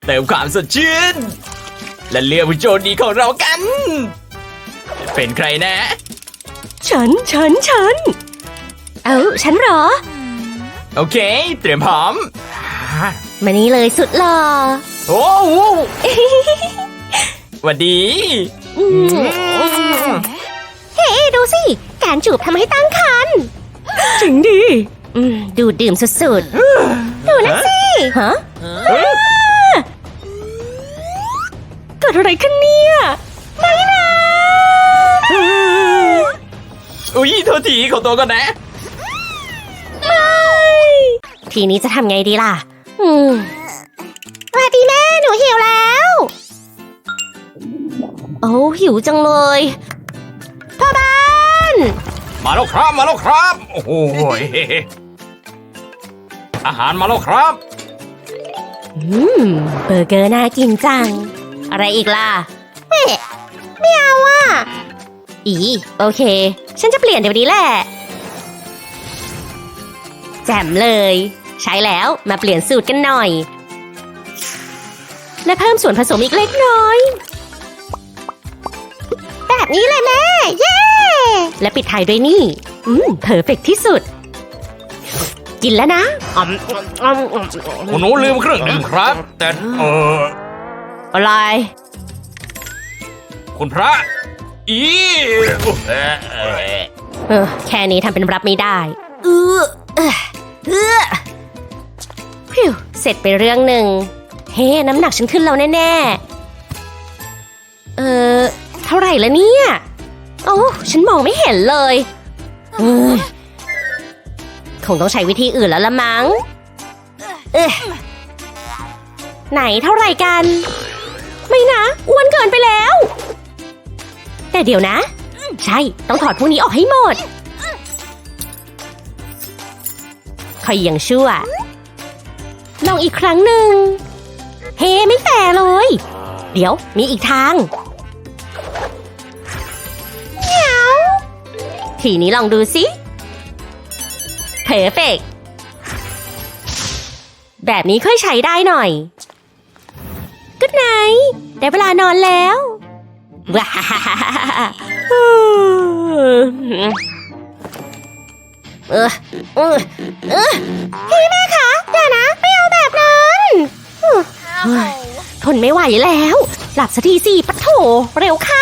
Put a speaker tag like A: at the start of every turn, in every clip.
A: เติมความสดชื่นและเลือกผู้โชคดีของเรากัน เป็นใครนะ
B: ฉัน ฉันเหรอ
A: โอเค เตรียมพร้อม
B: มานี่เลยสุดหล่อ
A: โอ้โหหวัดดี
B: เฮ้ดูสิ การจูบทำให้ตั้งครรภ์
C: จริงดิ
B: ดูดดื่มสุดๆ ดูนั่นสิ ฮะ
C: เกิดอะไรขึ้นเนี่ย
A: อุ๊ยโทษทีขอตัวก่อนนะ
B: ทีนี้จะทำไงดีล่ะสวัสดีแม่ หนูหิวแล้ว โอ้หิวจังเลยพ่อบ้าน
A: มาแล้วครับ มาแล้วครับ โอ้โหอาหารมาแล้วครับ
B: เบอร์เกอร์น่ากินจัง อะไรอีกล่ะไม่เอาอ่ะโอเค ฉันจะเปลี่ยนเดี๋ยวนี้แหละ แจ่มเลย ใช้แล้วมาเปลี่ยนสูตรกันหน่อย และเพิ่มส่วนผสมอีกเล็กน้อย แบบนี้เลยแม่ เย้ และปิดท้ายด้วยนี่เพอร์เฟกต์ที่สุด กินแล้วนะ
A: คุณหนูลืมเครื่องดื่มครับ แต่
B: อะไร
A: คุณพระ
B: แค่นี้ทำเป็นรับไม่ได้พิวเสร็จไปเรื่องหนึ่งเฮ้น้ำหนักฉันขึ้นแล้วแน่ๆเท่าไหร่ละเนี่ยโอ้ฉันมองไม่เห็นเลยคงต้องใช้วิธีอื่นแล้วละมั้งไหนเท่าไหร่กันไม่นะอ้วนเกินไปแล้วแต่เดี๋ยวนะใช่ต้องถอดพวกนี้ออกให้หมดคอยยังชั่วลองอีกครั้งหนึ่งเฮ้ไม่แฟร์เลยเดี๋ยวมีอีกทางเหนียวทีนี้ลองดูสิเพอร์เฟกต์แบบนี้ค่อยใช้ได้หน่อยกุ๊ดไนท์ได้เวลานอนแล้วว้าพี่แม่คะอย่านะไม่เอาแบบนั้นทนไม่ไหวแล้วหลับสักทีสิปะโถเร็วเข้า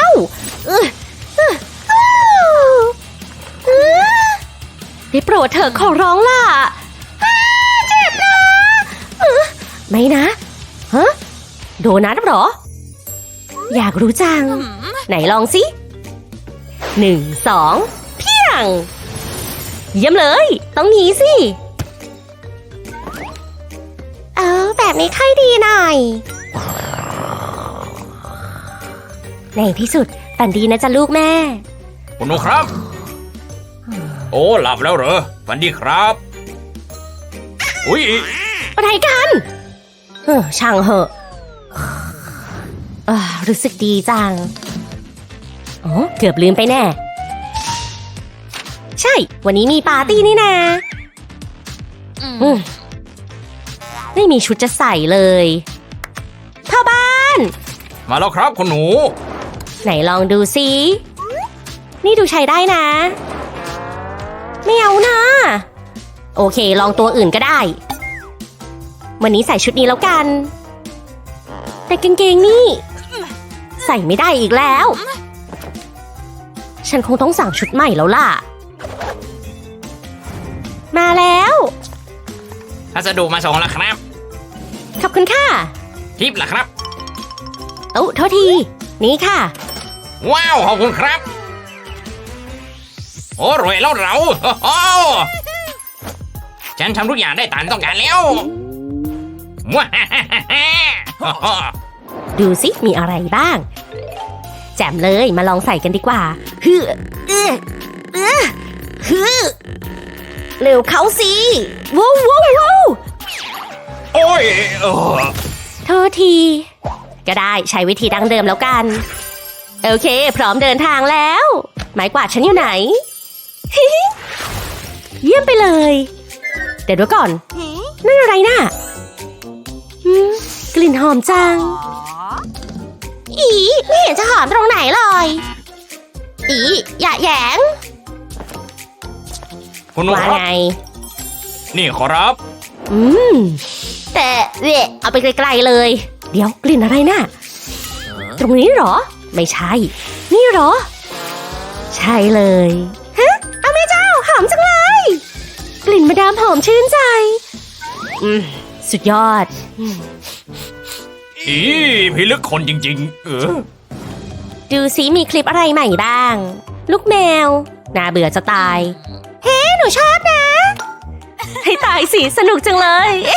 B: ได้โปรดเถอะขอร้องล่ะเจ็บนะไม่นะฮะโดนัทเหรออยากรู้จังไหนลองสิ1 2เพียงเยี่ยมเลยต้องงี้สิแบบนี้ค่อยดีหน่อยในที่สุดฝันดีนะจ๊ะลูกแม่
A: คุณหนูครับโอ้หลับแล้วเหรอฝันดีครับอุ๊ย
B: อะไรกันช่างเหอะรู้สึกดีจังเกือบลืมไปแน่ใช่วันนี้มีปาร์ตี้นี่นาไม่มีชุดจะใส่เลยพ่อบ้าน
A: มาแล้วครับคุณหนู
B: ไหนลองดูสินี่ดูใช้ได้นะไม่เอานะโอเคลองตัวอื่นก็ได้วันนี้ใส่ชุดนี้แล้วกันแต่กางเกงนี่ใส่ไม่ได้อีกแล้วฉันคงต้องสั่งชุดใหม่แล้วล่ะมาแล้ว
A: พัสดุมาส่งแล้วครับ
B: ขอบคุณค่ะ
A: ทิปล่ะครับ
B: โทษทีนี่ค่ะ
A: ว้าวขอบคุณครับโอ้รวยแล้วเราฉันทำทุกอย่างได้ตามต้องการแล้ว
B: ดูสิมีอะไรบ้างแจ่มเลยมาลองใส่กันดีกว่าเร็วเข้าสิว้าว
A: โอ้ย
B: โทษทีก็ได้ใช้วิธีดั้งเดิมแล้วกันโอเคพร้อมเดินทางแล้วไม้กวาดฉันอยู่ไหน เยี่ยมไปเลยเดี๋ยวก่อนนั่นอะไรน่ะกลิ่นหอมจัง อีไม่เห็นจะหอมตรงไหนเลย อีอย่าแหยง
A: คุณหนู
B: ว่า
A: ครับ
B: ไง
A: นี่ขอรับ
B: แต่เอาไปไกลๆเลย เดี๋ยวกลิ่นอะไรน่ะ ตรงนี้เหรอ ไม่ใช่ นี่เหรอ ใช่เลยฮะเอาแม่เจ้าหอมจังเลย กลิ่นมาดามหอมชื่นใจ สุดยอด
A: อีพี่ลึกคนจริง ๆ
B: ดูซิมีคลิปอะไรใหม่บ้าง ลูกแมว น่าเบื่อจะตาย เฮ้ หนูชอบนะ ให้ตายสิสนุกจังเลย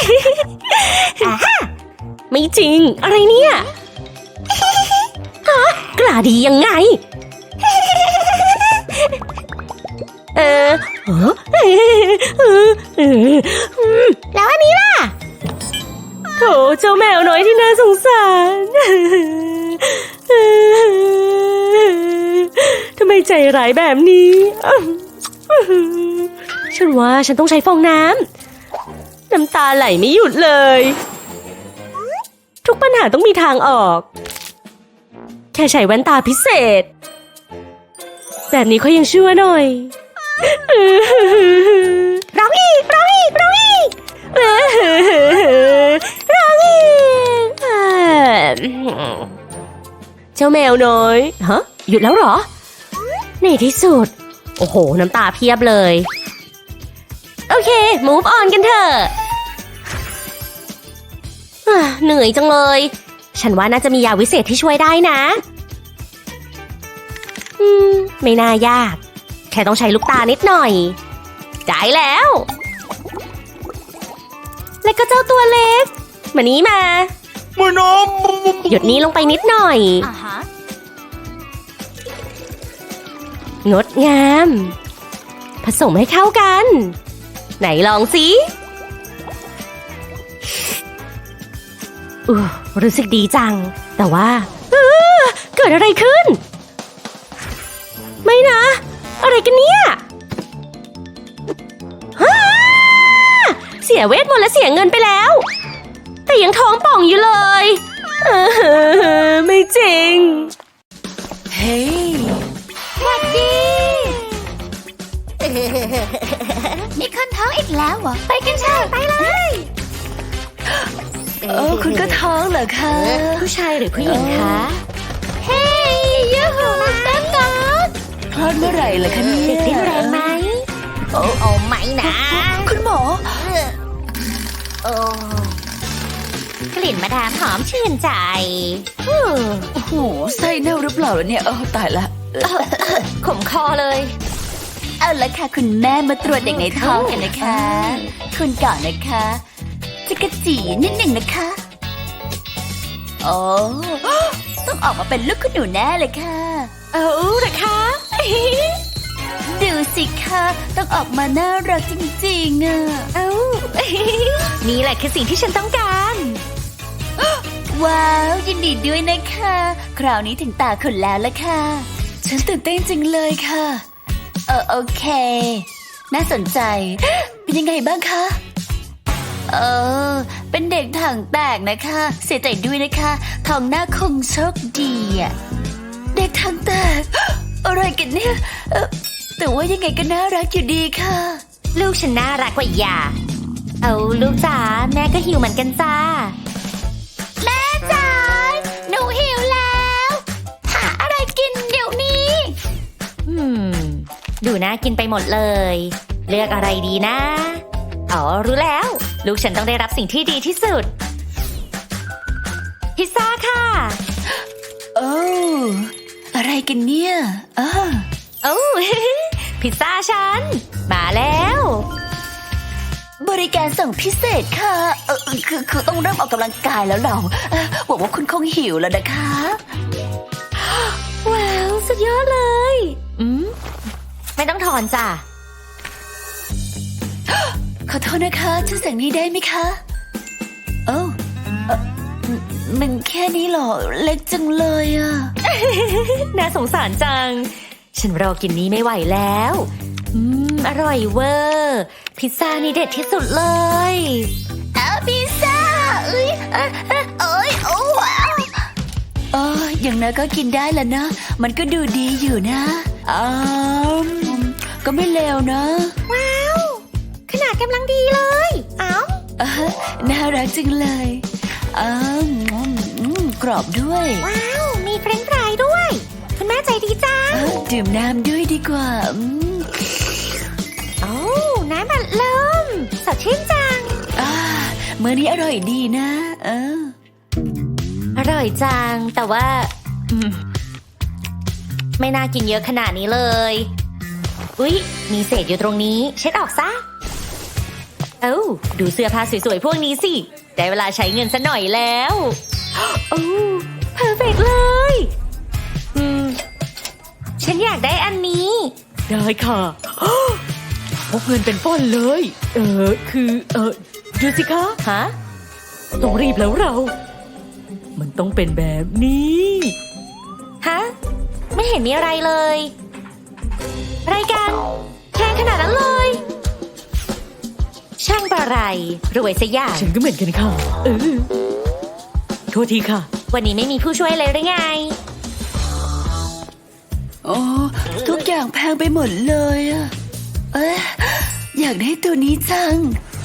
B: ไม่จริง อะไรเนี่ยฮะกล้าดียังไง แล้วอันนี้ล่ะโถเจ้าแมวน้อยที่น่าสงสารทำไมใจร้ายแบบนี้ ฉันว่าฉันต้องใช้ฟองน้ำ น้ำตาไหลไม่หยุดเลย ทุกปัญหาต้องมีทางออก แค่ใช้แว่นตาพิเศษ แบบนี้เขายังชั่วหน่อย ร้องอีกร้องอีกร้องอีกร้องอีกเจ้าแมวน้อยฮะหยุดแล้วเหรอ ในที่สุด โอ้โห น้ำตาเพียบเลย โอเค move on กันเถอะเหนื่อยจังเลย ฉันว่าน่าจะมียาวิเศษที่ช่วยได้นะ ไม่น่ายาก แค่ต้องใช้ลูกตานิดหน่อย ได้แล้ว แล้วก็เจ้าตัวเล็ก มานี้มา
A: มือน้ำ
B: หยดนี้ลงไปนิดหน่อย งดงาม ผสมให้เข้ากัน ไหนลองสิรู้สึกดีจัง แต่ว่าเกิดอะไรขึ้น ไม่นะ อะไรกันเนี่ยเสียเวทมนต์และเสียเงินไปแล้ว แต่ยังท้องป่องอยู่เลยไม่จริง
C: เฮ้ย
D: สวัสดี มีคนท้องอีกแล้วเหรอ ไปกันเถอะไปเลย
C: คุณก็ท้องเหรอคะ
B: ผู้ชายหรือผู้หญิงคะ
D: เฮ้ยยูหูเต้นก่อน
C: คลอดเมื่อไหร่ล่ะคะเนี่ย
B: เด็กดิ้นแรงไหม
D: โอ้ไม่นะ
C: คุณหมอ
D: โอ้กลิ่นมาดามหอมชื่นใจ
C: โอ้โหไส้เน่าหรือเปล่าเนี่ยตายละ
B: ขมคอเลย
C: เอาละค่ะคุณแม่มาตรวจเด็กในท้องกันนะคะ คุณก่อนนะคะจะกระจีนิดหนึ่งนะคะโอ้ต้องออกมาเป็นลูกคุณหนูแน่เลยค่ะ
B: เอาเหรอคะ
C: ดูสิคะต้องออกมาน่ารักจริงๆอ่ะ
B: เอานี่แหละคือสิ่งที่ฉันต้องการ
C: ว้าวยินดีด้วยนะคะ คราวนี้ถึงตาคุณแล้วละค่ะ ฉันตื่นเต้นจริงเลยค่ะโอเค น่าสนใจ เป็นยังไงบ้างคะเป็นเด็กถังแตกนะคะ เสียใจด้วยนะคะท้องหน้าคงโชคดีอะเด็กถังแตก อะไรกันเนี่ยแต่ว่ายังไงก็น่ารักอยู่ดีค่ะ
B: ลูกฉันน่ารักกว่าอย่า เอาลูกจ๋าแม่ก็หิวเหมือนกันจ้า
D: แม่จ๋าหนูหิวแล้ว หาอะไรกินเดี๋ยวนี้
B: ดูน่ากินไปหมดเลย เลือกอะไรดีนะ อ๋อรู้แล้ว ลูกฉันต้องได้รับสิ่งที่ดีที่สุด พิซซ่าค่ะ
C: โอ้อะไรกันเนี่ย
B: โอ้ พิซซ่าฉัน มาแล้ว
C: บริการส่งพิเศษค่ะคือต้องเริ่มออกกำลังกายแล้วเราหวังว่าคุณคงหิวแล้วนะคะ
B: ว้าว สุดยอดเลย ไม่ต้องถอนจ้ะ
C: ขอโทษนะคะช่วยสั่งนี้ได้ไหมคะโอ้มันแค่นี้เหรอเล็กจังเลยอ่ะ
B: น่าสงสารจัง ฉันรอกินนี้ไม่ไหวแล้ว อร่อยเวอร์ พิซซ่านี่เด็ดที่สุดเลย
D: เอาพิซซ่าโอ้
C: อย่างน้อยก็กินได้แล้วนะ มันก็ดูดีอยู่นะก็ไม่เลวนะ
B: ว้าว ขนาดกำลังดีเลย เอ้า
C: น่ารักจังเลยกรอบด้วย
B: ว้าว มีเฟรนช์ฟรายด้วย คุณแม่ใจดีจัง
C: ดื่มน้ำด้วยดีกว่า
B: โอ้น้ำอัดลมสดชื่นจัง
C: มื้อนี้อร่อยดีนะ
B: อร่อยจัง แต่ว่าไม่น่ากินเยอะขนาดนี้เลย อุ๊ย มีเศษอยู่ตรงนี้ เช็ดออกซะ ดูเสื้อผ้าสวยๆพวกนี้สิ ได้เวลาใช้เงินซะหน่อยแล้วโอ้เพอร์เฟกเลย ฉันอยากได้อันนี้
E: ได้ค่ะพกเงินเป็นป้อนเลย ดูสิคะ
B: ฮะ
E: ต้องรีบแล้วเรา มันต้องเป็นแบบนี้
B: ฮะ ไม่เห็นมีอะไรเลย รายการแพงขนาดนั้นเลย ช่างประไรรวยซะอย่าง
E: ฉันก็เหมือนกันค่ะโทษทีค่ะ
B: วันนี้ไม่มีผู้ช่วยเลยหรือไง
C: ทุกอย่างแพงไปหมดเลยอยากได้ตัวนี้จัง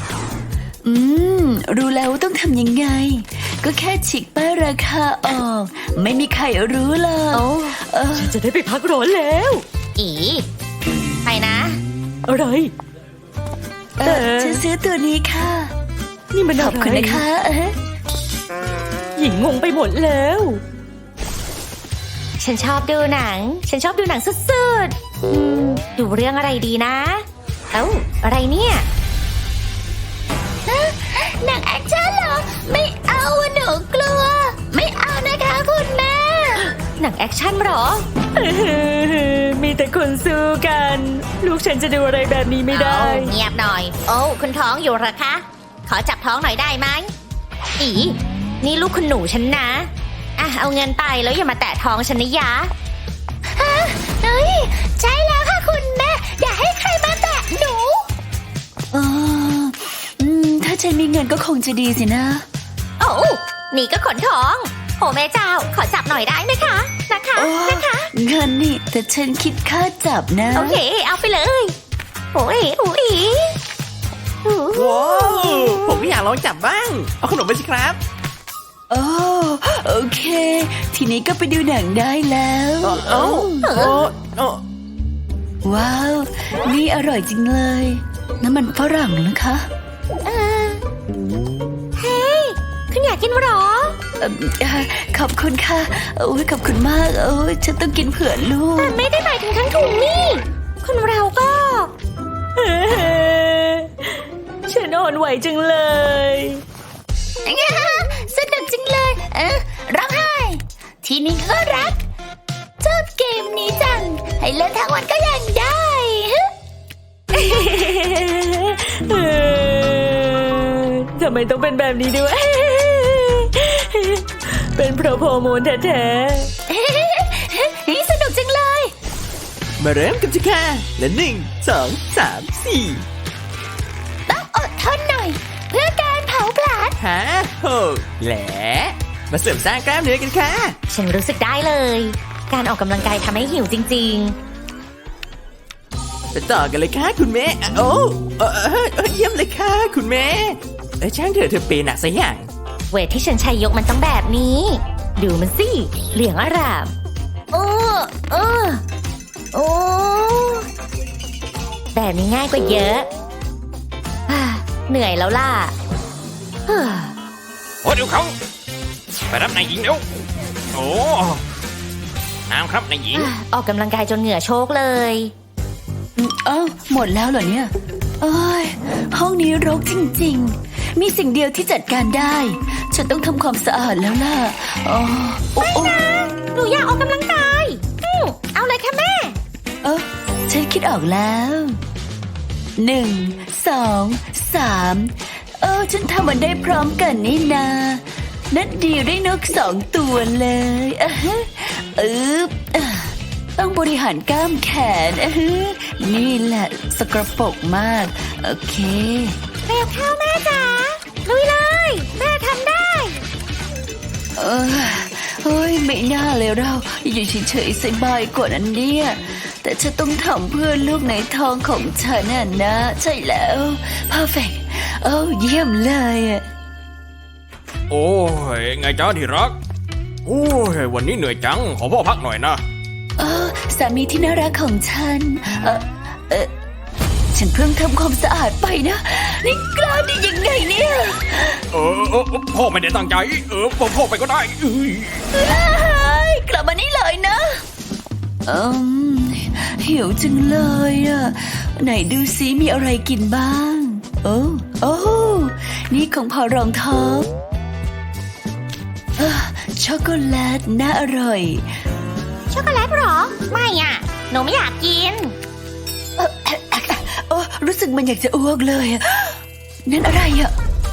C: รู้แล้วว่าต้องทำยังไง ก็แค่ฉีกป้ายราคาออก ไม่มีใครรู้หรอก
E: ฉันจะได้ไปพักร้อนแล้ว
B: อีไปนะ
E: อะไร
C: ฉันซื้อตัวนี้ค่ะ
E: นี่มัน
C: ข
E: อะ
C: อบ
E: ไร
C: คุณนะคะ
E: หญิงงงไปหมดแล้ว
B: ฉันชอบดูหนังสุดๆดูเรื่องอะไรดีนะ อะไรเนี่ย
D: หนังแอคชั่นเหรอ ไม่เอาอะหนูกลัว ไม่เอานะคะคุณแม่
B: หนังแอคชั่นเหรอ
E: มีแต่คนสู้กัน ลูกฉันจะดูอะไรแบบนี้ไม่ได้
B: เงียบหน่อย คุณท้องอยู่เหรอคะ ขอจับท้องหน่อยได้ไหมอีนี่ลูกคุณหนูฉันนะเอาเงินไปแล้วอย่ามาแตะท้องฉันนะยะ
D: เฮ้ยใช่แล้วค่ะคุณแม่ อย่าให้ใครมาแตะหนู
C: ถ้าฉันมีเงินก็คงจะดีสินะ
B: นี่ก็ขนท้องโอ้แม่เจ้า ขอจับหน่อยได้ไหมคะ นะคะ
C: เงินนี่ แต่ฉันคิดค่าจับนะ
B: โอเค เอาไปเลย โอ้ย
F: ว้าวผมก็อยากลองจับบ้าง เอาขนมไปสิครับ
C: โอเค ทีนี้ก็ไปดูหนังได้แล้ว ว้าว นี่อร่อยจริงเลยน้ำมันฝรั่งนะคะ
B: เฮ้ย คุณอยากกินหรอ
C: ขอบคุณค่ะขอบคุณมากฉันต้องกินเผื่อลูก
B: แต่ไม่ได้หมายถึงทั้งถุงนี่ คนเราก็
E: ฉันอ่อนไหวจังเลย
D: สนุกจังเลยร้องไห้ ทีนี้ก็รักชอบเกมนี้จัง ให้เล่นทั้งวันก็ยังได้
E: ทำไมต้องเป็นแบบนี้ด้วย เป็นเพราะฮอร์โมนแท้
D: นี่สนุกจังเลย
F: มาเริ่มกันสิค่ะและ1 2 3 4
D: ต้องอดทนหน่อย เพื่อการเผาผลาญ
F: 5 6 และมาเสริมสร้างกล้ามเนื้อกันค่ะ
B: ฉันรู้สึกได้เลย การออกกำลังกายทำให้หิวจริง
F: ไปต่อกันเลยค่ะคุณแม่เยี่ยมเลยค่ะคุณแม่ช่างเถอะเธอเปย์หนักซะอย่าง
B: ๆ เวทที่ฉันใช้ยกมันต้องแบบนี้ ดูมันสิ เหลืองอร่ามโอ้แบบนี้ง่ายกว่าเยอะเหนื่อยแล้วล่ะ
A: โอ้เดี๋ยวเขาไปรับนายหญิงเดี๋ยวโอ้น้ำครับนายหญิง
B: ออกกำลังกายจนเหงื่อโชกเลย
C: หมดแล้วเหรอเนี่ยห้องนี้รกจริงๆ มีสิ่งเดียวที่จัดการได้ ฉันต้องทำความสะอาดแล้วล่ะ
B: หนูอยากออกกำลังกายเอาเลยค่ะแม่
C: ฉันคิดออกแล้ว1 2 3ฉันทำมันได้พร้อมกันนี่นานัดเดียวได้นก2 ตัวเลยต้องบริหารกล้ามแขนนี่แหละสกปรกมากโอเค
B: เร็วเข้าแม่จ๋าลุยเลยแม่ทำได้
C: เฮ้ยไม่น่าเลยเราอยู่เฉยๆสบายกว่านั้นเนี่ยแต่ฉันต้องทำเพื่อลูกในท้องของฉันน่ะนะใช่แล้ว perfect โอ้เยี่ยมเลยอะ
A: โอ้ยไงจ้าที่รัก โอ้ยวันนี้เหนื่อยจัง ขอพ่อพักหน่อยนะ
C: สามีที่น่ารักของฉันฉันเพิ่งทำความสะอาดไปนะนี่กล้าได้ยังไงเนี่ย
A: พ่อไม่ได้ตั้งใจ พ่อไปก็ได้
C: กลับมานี่เลยนะหิวจังเลยอ่ะไหนดูซิมีอะไรกินบ้างโอ้นี่ของพอรองท้องช็อกโกแลตน่าอร่อย
B: ช็อกโกแลตเหรอ ไม่อ่ะ หนูไม่อยากกิน
C: รู้สึกมันอยากจะอ้วกเลยอะนั่นอะไรอ่ะ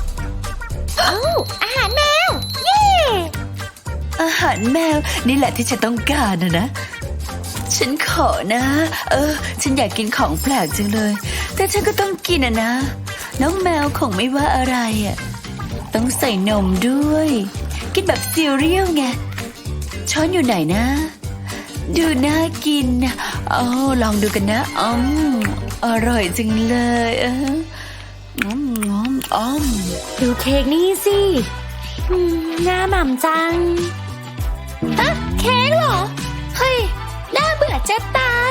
B: อาหารแมว เย้
C: อาหารแมวนี่แหละที่ฉันต้องการนะฉันขอนะฉันอยากกินของแปลกจังเลย แต่ฉันก็ต้องกินนะน้องแมวคงไม่ว่าอะไรอ่ะต้องใส่นมด้วยกินแบบซีเรียลไงช้อนอยู่ไหนนะดูน่ากินลองดูกันนะอร่อยจังเลย
B: ดูเค้กนี่สิหน้าหม่ำจัง
D: เค้กเหรอ เฮ้ย น่าเบื่อจะตาย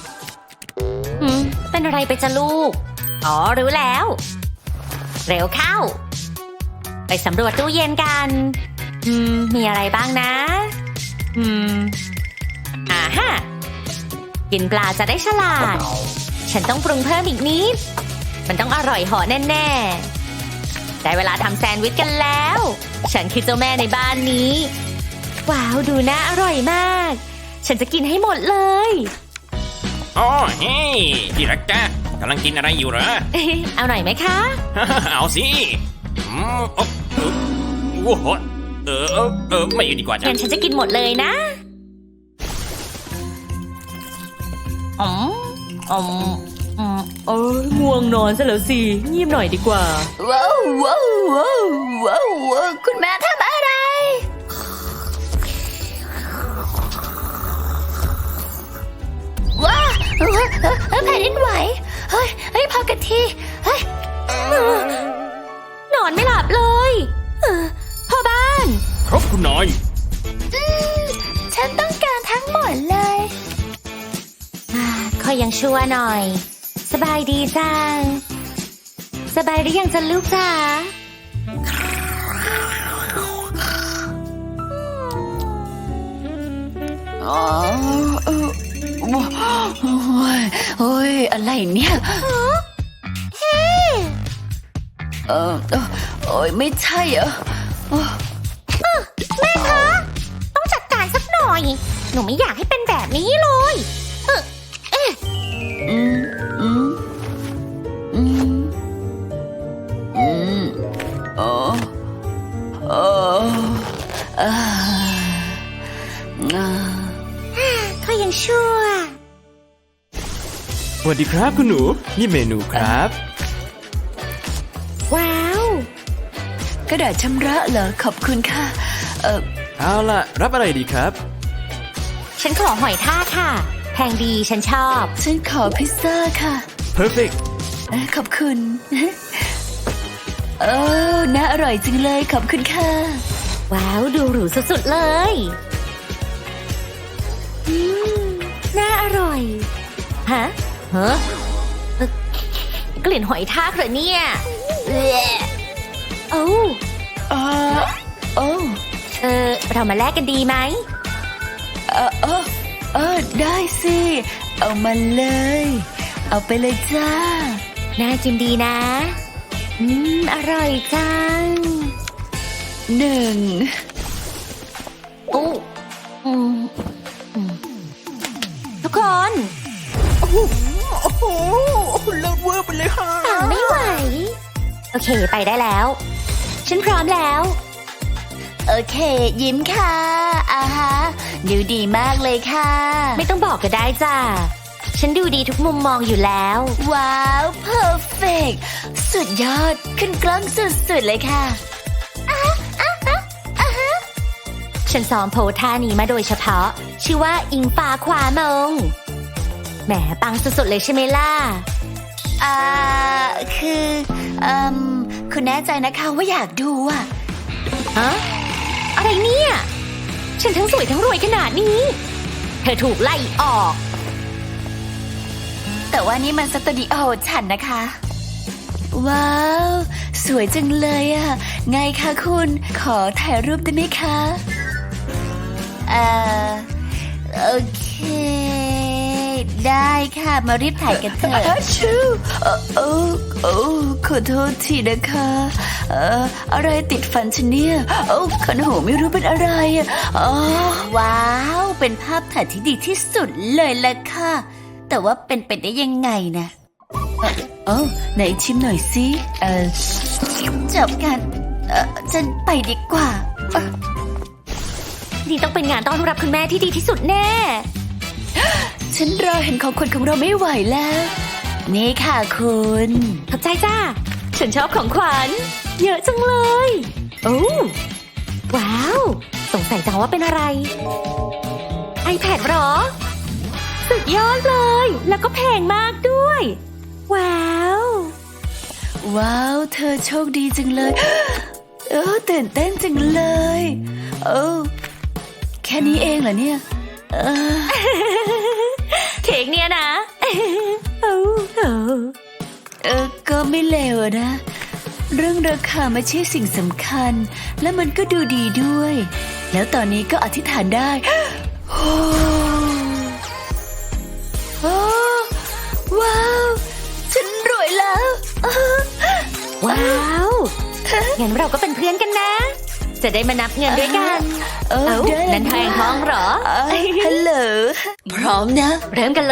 B: เป็นอะไรไปจ้ะลูก อ๋อ รู้แล้ว เร็วเข้า ไปสำรวจตู้เย็นกัน มีอะไรบ้างนะฮะกินปลาจะได้ฉลาด ฉันต้องปรุงเพิ่มอีกนิด มันต้องอร่อยเหาะแน่ๆได้เวลาทำแซนด์วิชกันแล้ว ฉันคือเจ้าแม่ในบ้านนี้ ว้าว ดูน่าอร่อยมาก ฉันจะกินให้หมดเลย
A: อ๋อเฮ้ยที่รักจ้ากำลังกินอะไรอยู่เหรอ
B: เอาหน่อยไหมคะ
A: เอาสิโอ้โหไม่อยู่ดีกว่าจ้ะ
B: งั้นฉันจะกินหมดเลยนะ
E: ง่วงนอนซะแล้วสิเงียบหน่อยดีกว่า
C: ว้าวคุณแม่ทำอะไร
D: ว้าแผ่นดินไหวเฮ้ยพอกันทีเฮ้ย
B: นอนไม่หลับเลยพ่อบ้าน
A: ครับคุณนาย
D: ฉันต้องการทั้งหมดเลย
B: ค่อยยังชั่วหน่อย สบายดีจัง สบายหรือยังจะลูกจ๋า
C: โอ้ยอะไรเนี่ยโอ้ยไม่ใช่เหรอ
B: แม่คะต้องจัดการสักหน่อย หนูไม่อยากให้เป็นแบบนี้เลยค่อยยังชั่ว
F: สวัสดีครับคุณหนู นี่เมนูครับ
B: ว้าว
C: กระดาษชำระเหรอขอบคุณค่ะ
F: เอาล่ะ รับอะไรดีครับ
B: ฉันขอหอยทากค่ะ แพงดีฉันชอบ
C: ฉันขอพิซซ่าค่ะ
F: perfect
C: ขอบคุณน่าอร่อยจังเลยขอบคุณค่ะ
B: ว้าวดูหรูสุดๆเลยน่าอร่อยฮะกลิ่นหอยทากเหรอเนี่ยเรามาแลกกันดีไหม
C: ได้สิเอามาเลยเอาไปเลยจ้า
B: น่ากินดีนะอร่อยจังทุกคน
F: โอ้โหเลิศเวอร์ไปเลยค่ะ
B: ต่างไม่ไหวโอเคไปได้แล้วฉันพร้อมแล้ว
C: โอเคยิ้มค่ะดูดีมากเลยค่ะ
B: ไม่ต้องบอกก็ได้จ้าฉันดูดีทุกมุมมองอยู่แล้ว
C: ว้าวเพอร์เฟกต์สุดยอดขึ้นกล้องสุดๆเลยค่ะ
B: ฉันซ้อมโพสท่านี้มาโดยเฉพาะ ชื่อว่าอิงฟ้าความงแหมปังสุดๆเลยใช่ไหมล่ะ
C: คือคุณแน่ใจนะคะว่าอยากดูอะ
B: ฮะอะไรเนี่ย ฉันทั้งสวยทั้งรวยขนาดนี้ เธอถูกไล่ออก
C: แต่ว่านี่มันสตูดิโอฉันนะคะ ว้าว สวยจังเลยอะไงคะคุณ ขอถ่ายรูปได้ไหมคะ โอเค ได้ค่ะ มารีบถ่ายกันเถอะชูขอโทษทีนะคะ อะไรติดฟันฉันเนี่ยขันหูไม่รู้เป็นอะไรว้าว เป็นภาพถ่ายที่ดีที่สุดเลยล่ะค่ะ แต่ว่าเป็นไปได้ยังไงนะไหนชิมหน่อยสิจบกันฉันไปดีกว่า
B: นี่ต้องเป็นงานต้อนรับคุณแม่ที่ดีที่สุดแน่
C: ฉันรอเห็นของขวัญของเราไม่ไหวแล้ว นี่ค่ะคุณ
B: ขอบใจจ้า ฉันชอบของขวัญ เยอะจังเลย โอ้ว้าว สงสัยจังว่าเป็นอะไร iPad หรอ สุดยอดเลย แล้วก็แพงมากด้วย ว้าว
C: ว้าว เธอโชคดีจังเลย ตื่นเต้นจังเลยแค่นี้เองเหรอเนี่ย
B: เค้กเนี่ยนะ
C: ก็ไม่เลวอะนะ เรื่องราคาไม่ใช่สิ่งสำคัญ และมันก็ดูดีด้วย แล้วตอนนี้ก็อธิษฐานได้ ว้าว ฉันรวยแล้ว
B: ว้าว งั้นเราก็เป็นเพื่อนกันนะ จะได้มานับเงินด้วยกัน นั่นแทงท้องเหรอ
C: ฮัลโหล พร้อมนะ
B: เริ่มกันเลย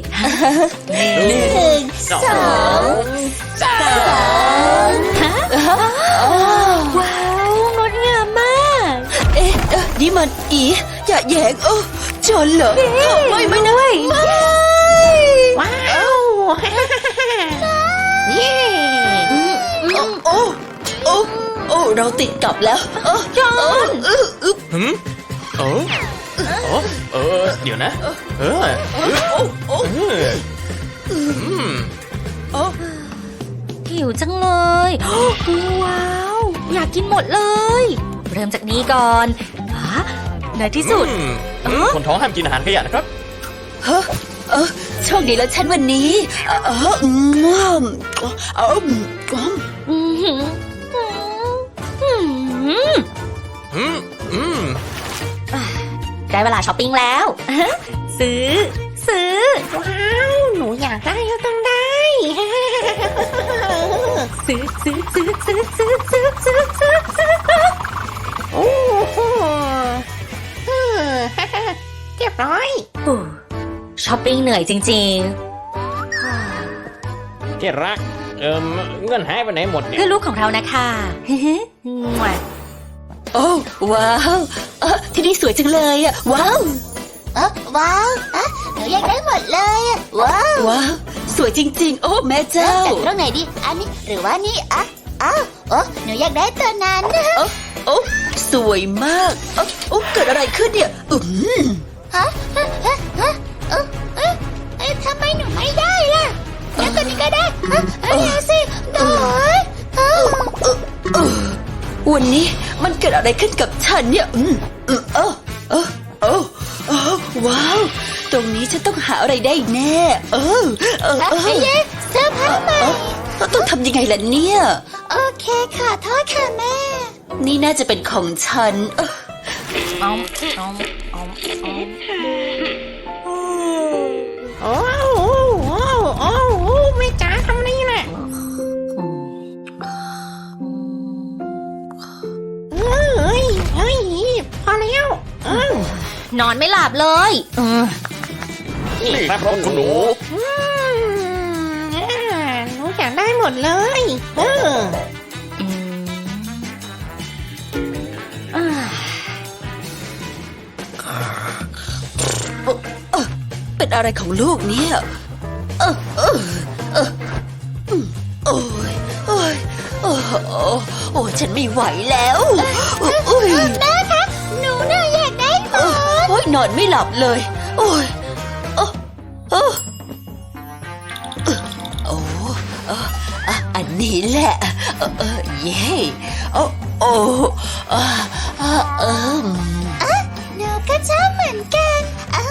C: 1 2 3
B: ว้าว งดงามมาก
C: นี่มันอย่าแยงจนเหรอไม่นะไม่
A: ว้าวเย้
C: เราติดกลับแล้วจอน
A: เดี๋ยวนะ
B: หิวจังเลย ว้าว อยากกินหมดเลย เริ่มจากนี้ก่อนในที่สุด
A: คนท้องห้ามกินอาหารขยะนะครับ
C: โชคดีแล้วฉันวันนี้
B: ได้เวลาช้อปปิ้งแล้ว ซื้อ
A: ว้าว หนูอยากได้ก็ต้องได้
B: ซื้อ
A: โอ้โหเรียบร้อย
B: ช้อปปิ้งเหนื่อยจริง
A: ที่รัก เงินหายไปไหนหมด
B: ๆ
A: เนี่ย
B: เพื่อลูกของเรานะคะมั่ว
C: ว้าวที่นี่สวยจังเลยอ่ะว้าว
D: ว้าวหนูอยากได้หมดเลยอะว้าว
C: ว้าวสวยจริงๆแม่เจ้า
D: จากตรงไหนดี อันนี้หรือว่านี่หนูอยากได้ตัวนั้น
C: สวยมากเกิดอะไรขึ้นเนี่ย
D: ฮะทำไมหนูไม่ได้ล่ะงั้นตัวนี้ก็ได้เอาสิโดย
C: วันนี้มันเกิดอะไรขึ้นกับฉันเนี่ยว้าวตรงนี้ฉันต้องหาอะไรได้แน่
D: เย้เสื้อผ้าใหม่
C: ต้องทำยังไงล่ะเนี่ย
D: โอเคค่ะโทษค่ะแม่
C: นี่น่าจะเป็นของฉัน
A: โอ้ไม่จ๋าทำนี่แหละพอแล้ว
B: นอนไม่หลับเลย
A: นี่ครับคุณหนูหนูอยากได้หมดเลย
C: เป็นอะไรของลูกเนี่ยโอ้ยฉันไม่ไหวแล้ว
D: แม่คะหนูน่ะ
C: นอนไม่หลับเลย โอ้ยโอ้โอ้โอ้อันนี้แหละเย้โอ้โอ้
D: หนูก็ชอบเหมือนกัน